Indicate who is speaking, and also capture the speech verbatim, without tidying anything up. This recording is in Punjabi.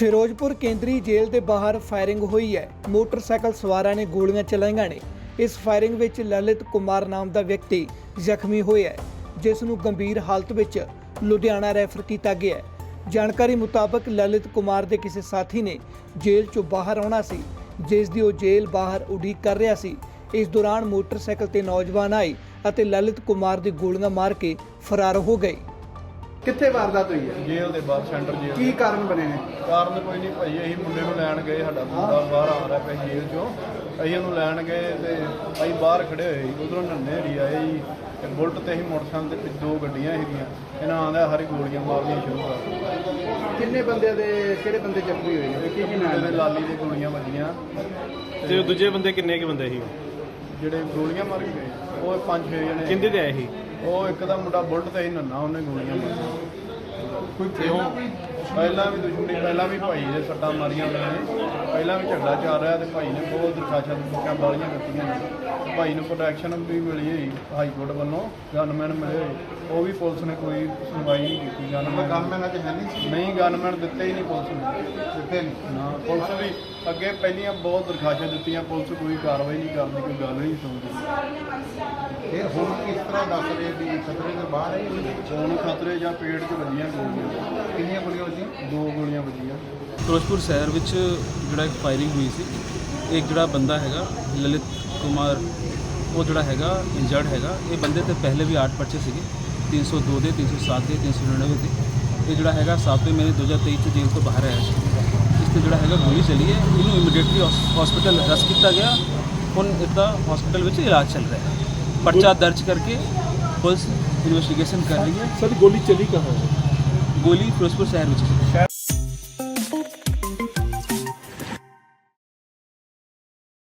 Speaker 1: ਫਿਰੋਜ਼ਪੁਰ ਕੇਂਦਰੀ ਜੇਲ੍ਹ ਦੇ ਬਾਹਰ ਫਾਇਰਿੰਗ ਹੋਈ ਹੈ। ਮੋਟਰਸਾਈਕਲ ਸਵਾਰਾਂ ਨੇ ਗੋਲੀਆਂ ਚਲਾਈਆਂ ਨੇ। ਇਸ ਫਾਇਰਿੰਗ ਵਿੱਚ ਲਲਿਤ ਕੁਮਾਰ ਨਾਮ ਦਾ ਵਿਅਕਤੀ ਜ਼ਖਮੀ ਹੋਇਆ ਹੈ, ਜਿਸ ਨੂੰ ਗੰਭੀਰ ਹਾਲਤ ਵਿੱਚ ਲੁਧਿਆਣਾ ਰੈਫਰ ਕੀਤਾ ਗਿਆ ਹੈ। ਜਾਣਕਾਰੀ ਮੁਤਾਬਕ ਲਲਿਤ ਕੁਮਾਰ ਦੇ ਕਿਸੇ ਸਾਥੀ ਨੇ ਜੇਲ੍ਹ ਚੋਂ ਬਾਹਰ ਆਉਣਾ ਸੀ, ਜਿਸ ਦੀ ਉਹ ਜੇਲ੍ਹ ਬਾਹਰ ਉਡੀਕ ਕਰ ਰਿਹਾ ਸੀ। ਇਸ ਦੌਰਾਨ ਮੋਟਰਸਾਈਕਲ ਤੇ ਨੌਜਵਾਨ ਆਏ ਅਤੇ ਲਲਿਤ ਕੁਮਾਰ ਦੀ ਗੋਲੀਆਂ ਮਾਰ ਕੇ ਫਰਾਰ ਹੋ ਗਏ।
Speaker 2: ਕਿੱਥੇ ਵਾਰਦਾਤ ਹੋਈ ਹੈ?
Speaker 3: ਜੇਲ੍ਹ ਦੇ ਬਾਹਰ ਸੈਂਟਰ ਜੇਲ੍ਹ।
Speaker 2: ਕੀ ਕਾਰਨ ਬਣੇ ਨੇ?
Speaker 3: ਕਾਰਨ ਕੋਈ ਨਹੀਂ ਭਾਈ, ਅਸੀਂ ਮੁੰਡੇ ਨੂੰ ਲੈਣ ਗਏ, ਸਾਡਾ ਮੁੰਡਾ ਬਾਹਰ ਆ ਰਿਹਾ ਪਿਆ ਜੇਲ੍ਹ ਚੋਂ। ਅਸੀਂ ਉਹਨੂੰ ਲੈਣ ਗਏ ਤੇ ਅਸੀਂ ਬਾਹਰ ਖੜੇ ਹੋਏ ਸੀ, ਉਧਰੋਂ ਨੰਨੇਰੀ ਆਏ ਜੀ ਤੇ ਬੁਲਟ ਤੇ ਅਸੀਂ ਮੋਟਰਸਾਈਕਲ ਤੇ ਪਿੱਛੇ ਦੋ ਗੱਡੀਆਂ ਸੀਗੀਆਂ, ਇਹਨਾਂ ਆਂਦਾ ਹਰੀ ਗੋਲੀਆਂ ਮਾਰਨੀਆਂ ਸ਼ੁਰੂ ਕਰ ਦਿੱਤੀਆਂ।
Speaker 2: ਕਿੰਨੇ ਬੰਦਿਆਂ ਦੇ ਕਿਹੜੇ ਬੰਦੇ ਜ਼ਖਮੀ ਹੋਏ ਨੇ? ਕੀ ਕੀ
Speaker 3: ਮੁੰਡੇ
Speaker 2: ਨਾਮ
Speaker 3: ਦੇ
Speaker 2: ਹੈ?
Speaker 3: ਲਾਲੀ ਦੇ ਗੋਲੀਆਂ ਵੱਜੀਆਂ
Speaker 4: ਤੇ ਉਹ ਦੂਜੇ ਬੰਦੇ ਕਿੰਨੇ ਕੁ ਬੰਦੇ ਸੀ?
Speaker 3: ਜਿਹੜੇ ਗੋਲੀਆਂ ਮਾਰ ਕੇ ਗਏ ਉਹ ਪੰਜ ਛੇ ਜਣੇ।
Speaker 4: ਕਿੰਦੇ ਤੇ ਆਏ ਸੀ?
Speaker 3: ਉਹ ਇੱਕ ਦਾ ਮੁੰਡਾ ਬੁਲਟ ਤੇ ਸੀ ਨੰਨਾ, ਉਹਨੇ ਗੋਲੀਆਂ ਮਾਰੀਆਂ।
Speaker 4: ਕੋਈ ਤੇ ਉਹ
Speaker 3: ਪਹਿਲਾਂ ਵੀ ਦੁਸ਼ਮਣੀ, ਪਹਿਲਾਂ ਵੀ ਭਾਈ ਦੇ ਸੱਟਾਂ ਮਾਰੀਆਂ ਉਹਨਾਂ ਨੇ, ਪਹਿਲਾਂ ਵੀ ਝਗੜਾ ਚੱਲ ਰਿਹਾ ਤੇ ਭਾਈ ਨੇ ਬਹੁਤ ਦਰਖਾਸ਼ਾਂ ਦੁਖਾਂ ਵਾਲੀਆਂ ਦਿੱਤੀਆਂ ਨੇ। ਭਾਈ ਨੂੰ ਪ੍ਰੋਟੈਕਸ਼ਨ ਵੀ ਮਿਲੀ ਹੋਈ ਹਾਈ ਕੋਰਟ ਵੱਲੋਂ, ਗਨਮੈਨ ਮਿਲੇ ਹੋਏ, ਉਹ ਵੀ ਪੁਲਿਸ ਨੇ ਕੋਈ ਸੁਣਵਾਈ ਨਹੀਂ ਕੀਤੀ। ਗਨਮੈਨ
Speaker 2: ਗਨਮੈਨ ਅੱਜ ਹੈ ਨਹੀਂ ਸੀ?
Speaker 3: ਨਹੀਂ, ਗਨਮੈਨ ਦਿੱਤੇ ਹੀ ਨਹੀਂ ਪੁਲਿਸ ਨੇ,
Speaker 2: ਦਿੱਤੇ ਨਹੀਂ
Speaker 3: ਨਾ। ਪੁਲਿਸ ਵੀ ਅੱਗੇ ਪਹਿਲੀਆਂ ਬਹੁਤ ਦਰਖਾਸ਼ਾਂ ਦਿੱਤੀਆਂ, ਪੁਲਿਸ ਕੋਈ ਕਾਰਵਾਈ ਨਹੀਂ ਕਰਦੀ, ਕੋਈ ਗੱਲ ਨਹੀਂ ਸੁਣਦੀ।
Speaker 2: ਫਿਰ ਹੁਣ ਕਿਸ ਤਰ੍ਹਾਂ ਦੱਸ ਰਹੇ ਵੀ ਖਤਰੇ ਦੇ ਬਾਹਰ ਹੈ?
Speaker 3: ਹੁਣ ਖਤਰੇ ਜਾਂ ਪੇਟ 'ਚ ਵੱਜੀਆਂ ਗੋਲੀਆਂ,
Speaker 2: ਕਿੰਨੀਆਂ ਗੋਲੀਆਂ ਵੱਜੀਆਂ?
Speaker 3: ਦੋ ਗੋਲੀਆਂ ਵੱਜੀਆਂ।
Speaker 5: ਫਿਰੋਜ਼ਪੁਰ ਸ਼ਹਿਰ ਵਿੱਚ ਜਿਹੜਾ ਇੱਕ ਫਾਇਰਿੰਗ ਹੋਈ ਸੀ, ਇੱਕ ਜਿਹੜਾ ਬੰਦਾ ਹੈਗਾ ਲਲਿਤ ਕੁਮਾਰ, ਉਹ ਜਿਹੜਾ ਹੈਗਾ ਇੰਜਰਡ ਹੈਗਾ। ਇਹ ਬੰਦੇ ਤੇ ਪਹਿਲੇ ਵੀ ਆठ ਪਰਚੇ ਸੀਗੇ, तीन सौ दो ਦੇ, तीन सौ सात ਦੇ, तीन सौ नड़िनवे ਦੇ। ਇਹ ਜਿਹੜਾ ਹੈਗਾ ਸਾਤਵੇਂ ਮਹੀਨੇ दो हज़ार तेईस 'ਚ ਜੇਲ੍ਹ ਤੋਂ ਬਾਹਰ ਆਇਆ ਸੀ। ਇਸ 'ਤੇ ਜਿਹੜਾ ਹੈਗਾ ਗੋਲੀ ਚੱਲੀ ਹੈ, ਇਹਨੂੰ ਇਮੀਡੀਏਟਲੀ ਹਸਪੀਟਲ ਰੈਸਟ ਕੀਤਾ ਗਿਆ। ਹੁਣ ਇਹਦਾ ਹਸਪੀਟਲ ਵਿੱਚ ਇਲਾਜ ਚੱਲ ਰਿਹਾ ਹੈ। ਪਰਚਾ ਦਰਜ ਕਰਕੇ ਪੁਲਿਸ ਇਨਵੈਸਟੀਗੇਸ਼ਨ ਕਰ ਰਹੀ ਹੈ।
Speaker 4: ਸਰ ਗੋਲੀ ਚਲੀ ਕਹਾਂ?
Speaker 5: ਗੋਲੀ ਫਿਰੋਜ਼ਪੁਰ ਸ਼ਹਿਰ ਵਿੱਚ ਸੀ।